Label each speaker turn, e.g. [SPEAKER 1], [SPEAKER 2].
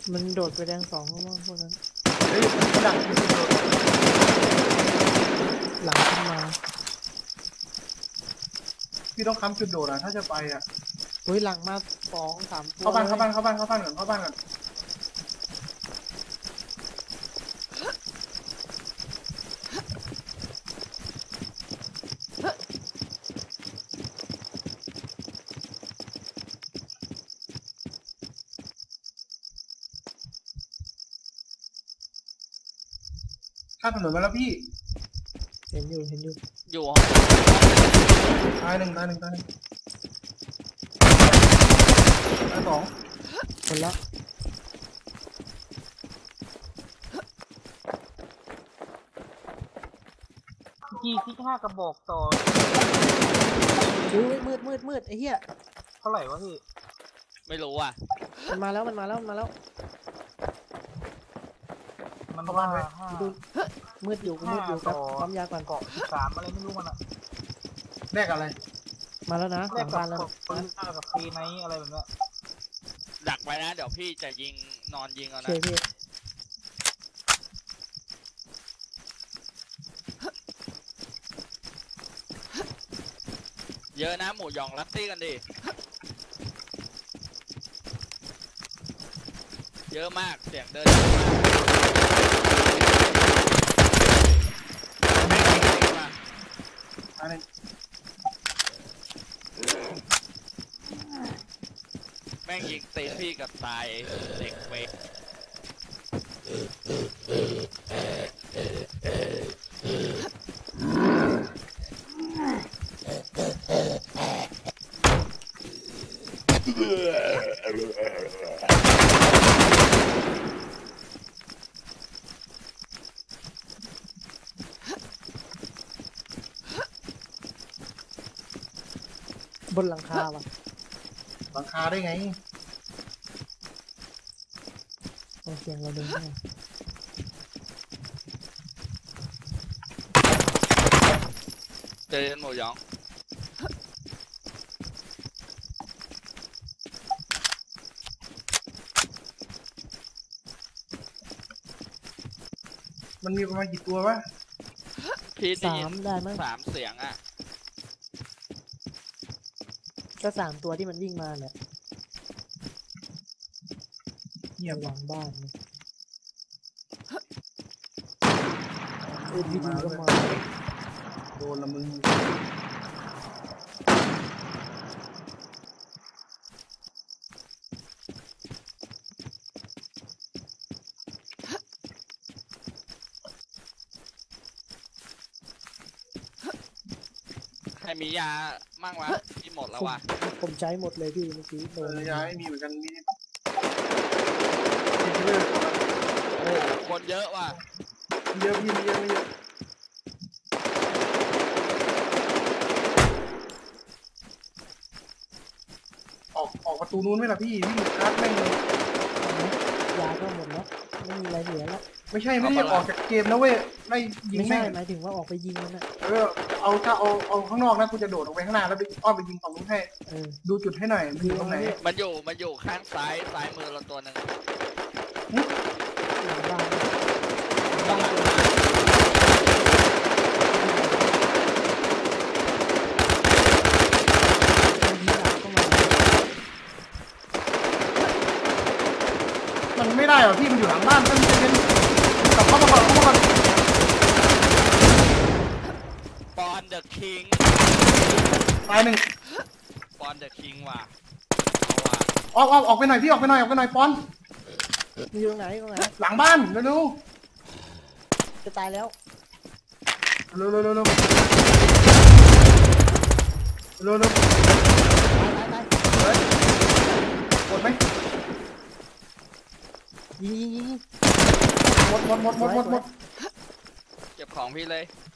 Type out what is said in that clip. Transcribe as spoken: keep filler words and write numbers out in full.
[SPEAKER 1] มันโดดไปแดงสองเพราะว่าพวกนั้น
[SPEAKER 2] เฮ้ยมันดัก
[SPEAKER 1] หลังขึ้นมา
[SPEAKER 2] พี่ต้องค้ำจุดโดดอ่ะถ้าจะไปอ่ะ
[SPEAKER 1] เฮ้ยหลังมาสองสามตัว
[SPEAKER 2] เข้าบ้านเข้าบ้านเข้าบ้านเข้าบ้านก่อนเข้าบ้านก่อนข้ามถนนมาแล้วพี่
[SPEAKER 1] เห็นอยู่เห็นอยู่
[SPEAKER 3] อยู่
[SPEAKER 2] ตายหนึ่งตายหนึ่งตายหนึ่งตายสอง
[SPEAKER 1] คนละ
[SPEAKER 4] จีที่ห้ากระบอกต่อ
[SPEAKER 1] ดูมืดมืดมืดไอ้เหี้ย
[SPEAKER 4] เท่าไหร่วะพี่
[SPEAKER 3] ไม่รู้อ่ะ
[SPEAKER 1] มันมาแล้วมันมาแล้วมันมาแล้ว
[SPEAKER 4] มันว่า
[SPEAKER 1] ดูมืดอยู่กูมืดอยู่ครับความยาก่อน
[SPEAKER 4] เกาะสามอะไรไม่รู้มันอะ
[SPEAKER 2] แรกอะไร
[SPEAKER 1] มาแล้วนะหลังบ้านแล้ว
[SPEAKER 4] ปืนห้ากับปีไนอะไรแบบนี้
[SPEAKER 3] ดักไว้นะเดี๋ยวพี่จะยิงนอนยิงเอานะเยอะนะหมูยองรัตตี้กันดิเยอะมากเสียงเดิน
[SPEAKER 2] อะไร
[SPEAKER 3] แม่งยิงตีพี่กับตายเด็กเวก
[SPEAKER 1] บนหลังคาว่ะ
[SPEAKER 2] หลังคาได้ไง
[SPEAKER 1] โอเคเราเดินได้
[SPEAKER 3] เจอหมูยอง
[SPEAKER 2] มันมีประมาณกี่ตัววะ
[SPEAKER 3] พี่
[SPEAKER 1] สามได้มั้ง
[SPEAKER 3] สามเสียงอ่ะ
[SPEAKER 1] ก็สามตัวที่มันวิ่งมาเนี่ย
[SPEAKER 2] เงียบ
[SPEAKER 1] หลังบ้านเออพีดีก็มา
[SPEAKER 2] โดนละมึง
[SPEAKER 3] ใครมียามั่งวะที่หมดแล้ววะ
[SPEAKER 1] ผมใช้หมดเลยพี่เมื่อกี้โดน
[SPEAKER 2] ยาไม่มีเหมือนกันมี
[SPEAKER 3] โอ้คนเยอะว่ะ
[SPEAKER 2] เยอะพี่เยอะเยอะออกออกประตูนู้นไหมล่ะพี่วิ่งคัดแม่งเลย
[SPEAKER 1] ยาก็หมดแล้วไม่มีอะไรเหลือแล้ว
[SPEAKER 2] ไม่ใช่ไม่ได้ออกจากเกมนะเว้ยไม่ยิง
[SPEAKER 1] ไม่ใช่หมายถึงว่าออกไปยิงมันนะ
[SPEAKER 2] เออเอาถ้าเอาเอาข้างนอกนะกูจะโดดออกไปข้างหน้าแล้วไปอ้อมไปยิงฝั่งนู้นให้ดูจุดให้หน่อยมันอยู่ตรงไหน
[SPEAKER 3] มันอยู่มันอยู่ข้างซ้ายซ้ายมือเราตัวหนึ่ง
[SPEAKER 2] มันไม่ได้หรอพี่มันอยู่หลังบ้านมันเป็นกลับเข้ามาก่อนเข้ามาก่อน
[SPEAKER 3] ปอนเดอะคิง
[SPEAKER 2] ตายหนึ่ง
[SPEAKER 3] ปอนเดอะคิงว่ะ
[SPEAKER 2] ออกออกออกไปหน่อยพี่ออกไปหน่อยออกไปหน่อยปอน
[SPEAKER 1] อยู่ตรงไหนตรงไหน
[SPEAKER 2] หลังบ้านเร็ว
[SPEAKER 1] ๆจะตายแล้ว
[SPEAKER 2] เร็วเร็วเร็วเร็วเร็วเร็ว
[SPEAKER 1] ตายตายตาย
[SPEAKER 2] หมดไหม
[SPEAKER 1] ยิงยิงยิง
[SPEAKER 2] หมดหมดหมดหมดหมดหมด
[SPEAKER 3] เก็บของพี่เลย